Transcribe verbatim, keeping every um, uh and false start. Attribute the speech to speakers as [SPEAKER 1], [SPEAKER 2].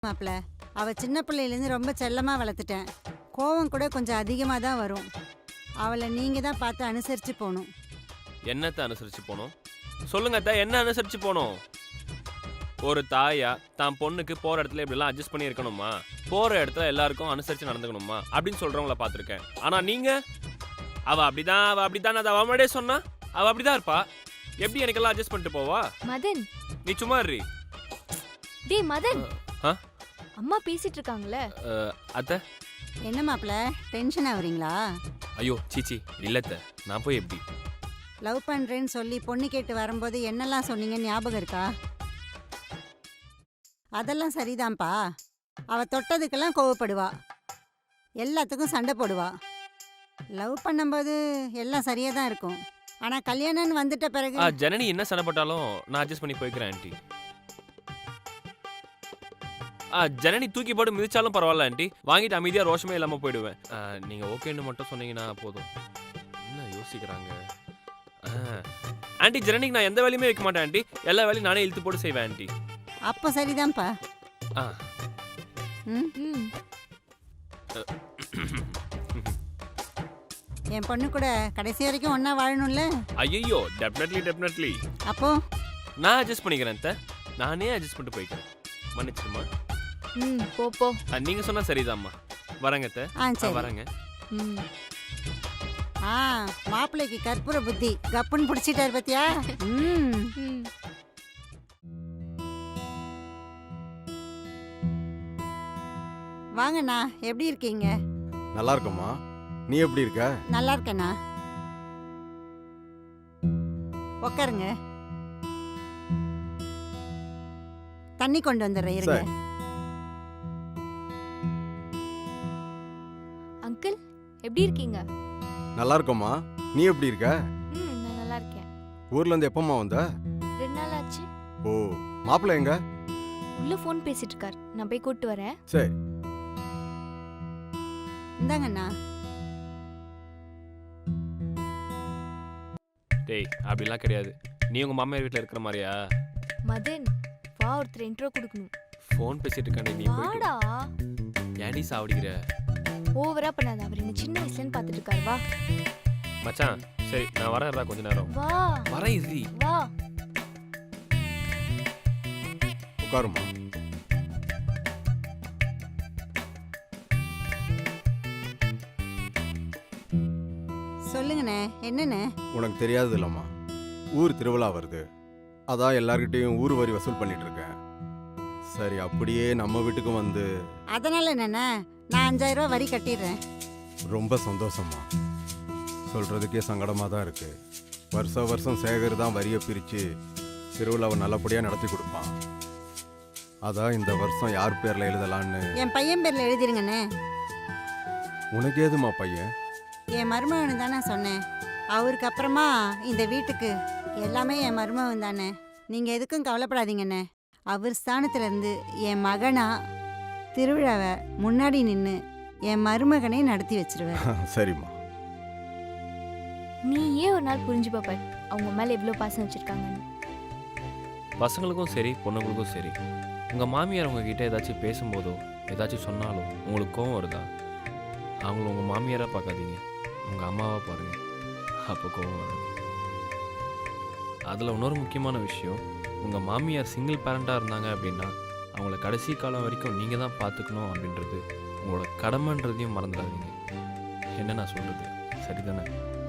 [SPEAKER 1] மாப்பிள்ள, அவ சின்ன பிள்ளையிலேருந்து ரொம்ப செல்லமாக வளர்த்துட்டேன். கோவம் கூட கொஞ்சம் அதிகமாக தான் வரும். அவளை நீங்கள் தான் பார்த்து அனுசரித்து போகணும்.
[SPEAKER 2] என்னத்தை அனுசரித்து போகணும் சொல்லுங்க அத்தை, என்ன அனுசரித்து போகணும்? ஒரு தாயா தான் பொண்ணுக்கு போகிற இடத்துல இப்படிலாம் அட்ஜஸ்ட் பண்ணி இருக்கணுமா? போகிற இடத்துல எல்லாருக்கும் அனுசரித்து நடந்துக்கணுமா அப்படின்னு சொல்கிறவங்கள பார்த்துருக்கேன். ஆனால் நீங்கள் அவள் அப்படிதான் அவள் அப்படிதான் அதை அவள் முன்னாடியே சொன்னா அவள் அப்படிதான் இருப்பா. எப்படி எனக்கெல்லாம் அட்ஜஸ்ட் பண்ணிட்டு போவா?
[SPEAKER 3] மதன்,
[SPEAKER 2] நீ சும்மா இரு.
[SPEAKER 3] டேய் மதன்,
[SPEAKER 2] ஆ?
[SPEAKER 3] அம்மா பேசிட்டு இருக்காங்களே.
[SPEAKER 2] அஹ், அத்தை
[SPEAKER 1] என்ன மாப்பிள்ள, டென்ஷன் ஆகுறீங்களா?
[SPEAKER 2] ஐயோ சீச்சி இல்லத்த, நான் போய் எப்படி
[SPEAKER 1] லவ் பண்ணுறேன்னு சொல்லி பொண்ணு கேட்டு வரும்போது என்னெல்லாம் சொன்னீங்க ஞாபகம் இருக்கா? அதெல்லாம் சரிதான்ப்பா. அவள் தொட்டதுக்கெல்லாம் கோவப்படுவா, எல்லாத்துக்கும் சண்டை போடுவா. லவ் பண்ணும்போது எல்லாம் சரியாக தான் இருக்கும். ஆனால் கல்யாணம்னு வந்துட்ட பிறகு
[SPEAKER 2] ஆ ஜனனி என்ன சண்டை போட்டாலும் நான் அட்ஜஸ்ட் பண்ணி போய்க்கிறேன் ஆண்டி. ஆ ஜனனி தூக்கி போட்டு மிதிச்சாலும் பரவாயில்ல ஆண்டி, வாங்கிட்டு அமைதியாக ரோஷமே இல்லாமல் போயிடுவேன். நீங்கள் ஓகேன்னு மட்டும் சொன்னீங்கன்னா போதும். என்ன யோசிக்கிறாங்க ஆண்டி? ஜனனிக்கு நான் எந்த வேலையுமே வைக்க மாட்டேன் ஆண்டி, எல்லா வேலையும் நானே இழுத்து போட்டு செய்வேன் ஆண்டி.
[SPEAKER 1] அப்போ சரிதான்ப்பா.
[SPEAKER 2] ஆ
[SPEAKER 1] ம்
[SPEAKER 3] ம்
[SPEAKER 1] என் பொண்ணு கூட கடைசி வரைக்கும் ஒன்றா வாழணும்ல.
[SPEAKER 2] ஐயோ டெஃபினெட்லி டெஃபினெட்லி
[SPEAKER 1] அப்போ
[SPEAKER 2] நான் அட்ஜஸ்ட் பண்ணிக்கிறேன் அத்தை, நானே அட்ஜஸ்ட் பண்ணிட்டு போய்க்கிறேன். மன்னிச்சிருமா.
[SPEAKER 3] ம் போ போ.
[SPEAKER 2] நீங்கள் சொன்னால் சரிதாம்மா. வரேங்க அத்தை.
[SPEAKER 1] ஆ
[SPEAKER 2] ஆ,
[SPEAKER 1] சரி.
[SPEAKER 2] வரேங்க.
[SPEAKER 3] ம்
[SPEAKER 1] ஆ மாப்பிள்ளைக்கு கற்பூர புத்தி கப்புன்னு பிடிச்சிட்டாரு பத்தியா? ம்
[SPEAKER 3] ம்
[SPEAKER 1] வாங்கண்ணா, எப்படி இருக்கீங்க?
[SPEAKER 4] நல்லா இருக்கம்மா. நீ எப்படி இருக்க?
[SPEAKER 1] நல்லா இருக்கேண்ணா. உட்காருங்க, தண்ணி கொண்டு வந்துடுறேன் இருங்க.
[SPEAKER 4] சரி.
[SPEAKER 3] அங்கிள் எப்படி இருக்கீங்க?
[SPEAKER 4] நல்லா இருக்கம்மா. நீ எப்படி இருக்க?
[SPEAKER 3] ம் நான் நல்லா இருக்கேன்.
[SPEAKER 4] ஊர்ல இருந்து எப்பம்மா வந்த?
[SPEAKER 3] ரெண்டு நாள் ஆச்சு.
[SPEAKER 4] ஓ, மாப்பிள்ளை எங்க?
[SPEAKER 3] உள்ள ஃபோன் பேசிட்டு இருக்கார், நான் போய் கூட்டி வரேன்.
[SPEAKER 4] சரி.
[SPEAKER 1] இந்தாங்கண்ணா.
[SPEAKER 2] டேய் அப்படிலாம் கிடையாது, நீ உங்கள் மாமியார் வீட்டில் இருக்கிற மாதிரியா?
[SPEAKER 3] மதன் வா, ஒருத்தர் இன்ட்ரோ கொடுக்கணும்.
[SPEAKER 2] ஃபோன் பேசிட்டு இருக்காண்டி நீ போயிட்டு
[SPEAKER 3] வாடா.
[SPEAKER 2] ஏன்டி சாவடிக்கிற?
[SPEAKER 3] ஓவரா பண்ணாத, அவர் என்ன சின்ன வயசுலன்னு பார்த்துட்டு இருக்காரு. வா
[SPEAKER 2] மச்சான் சரி நான் வரேன்டா கொஞ்ச நேரம்.
[SPEAKER 3] வா
[SPEAKER 2] வரேன் இறுதி.
[SPEAKER 3] வா.
[SPEAKER 4] உட்காருமா.
[SPEAKER 1] சொல்லுங்கண்ணே, என்னண்ணே?
[SPEAKER 4] உனக்கு தெரியாது இல்லம்மா, ஊர் திருவிழா வருது. அதான் எல்லார்கிட்டையும் ஊர் வரி வசூல் பண்ணிட்டு இருக்கேன். சரி, அப்படியே நம்ம வீட்டுக்கும் வந்து.
[SPEAKER 1] அதனால என்னண்ணே, நான் அஞ்சாயிரம் ரூபா வரி கட்டிடுறேன்.
[SPEAKER 4] ரொம்ப சந்தோஷமா. சொல்றதுக்கே சங்கடமா தான் இருக்கு. வருஷம் வருஷம் சேகர் தான் வரியை பிரிச்சு திருவிழாவை நல்லபடியா நடத்தி கொடுப்பான். அதான் இந்த வருஷம் யார் பேர்ல எழுதலான்னு.
[SPEAKER 1] என் பையன் பேர்ல எழுதிருங்கண்ணே.
[SPEAKER 4] உனக்கு ஏதுமா பையன்?
[SPEAKER 1] என் மருமகனு தானே சொன்னேன். அவருக்கு அப்புறமா இந்த வீட்டுக்கு எல்லாமே என் மருமகன் தானே. நீங்கள் எதுக்கும் கவலைப்படாதீங்கண்ணே. அவர் ஸ்தானத்துல இருந்து என் மகனா திருவிழாவை முன்னாடி நின்று என் மருமகனே நடத்தி வச்சிருவேன்.
[SPEAKER 4] சரிம்மா.
[SPEAKER 3] நீ ஏன் ஒரு நாள் புரிஞ்சு பாப்பார் அவங்க மேல எவ்வளவு பாசம் வச்சிருக்காங்கன்னு.
[SPEAKER 2] பசங்களுக்கும் சரி பொண்ணுங்களுக்கும் சரி, உங்கள் மாமியார் உங்ககிட்ட ஏதாச்சும் பேசும்போதோ ஏதாச்சும் சொன்னாலும் உங்களுக்கு கோவம் வருதா? அவங்கள உங்கள் மாமியாராக பார்க்காதீங்க, உங்கள் அம்மாவாக பாருங்கள், அப்போ கோவம் வராது. அதில் இன்னொரு முக்கியமான விஷயம், உங்கள் மாமியார் சிங்கிள் பேரண்ட்டாக இருந்தாங்க அப்படின்னா அவங்கள கடைசி காலம் வரைக்கும் நீங்கள் தான் பார்த்துக்கணும் அப்படின்றது உங்களோட கடமைன்றதையும் மறந்துடாதீங்க. என்ன நான் சொல்கிறது சரிதானே?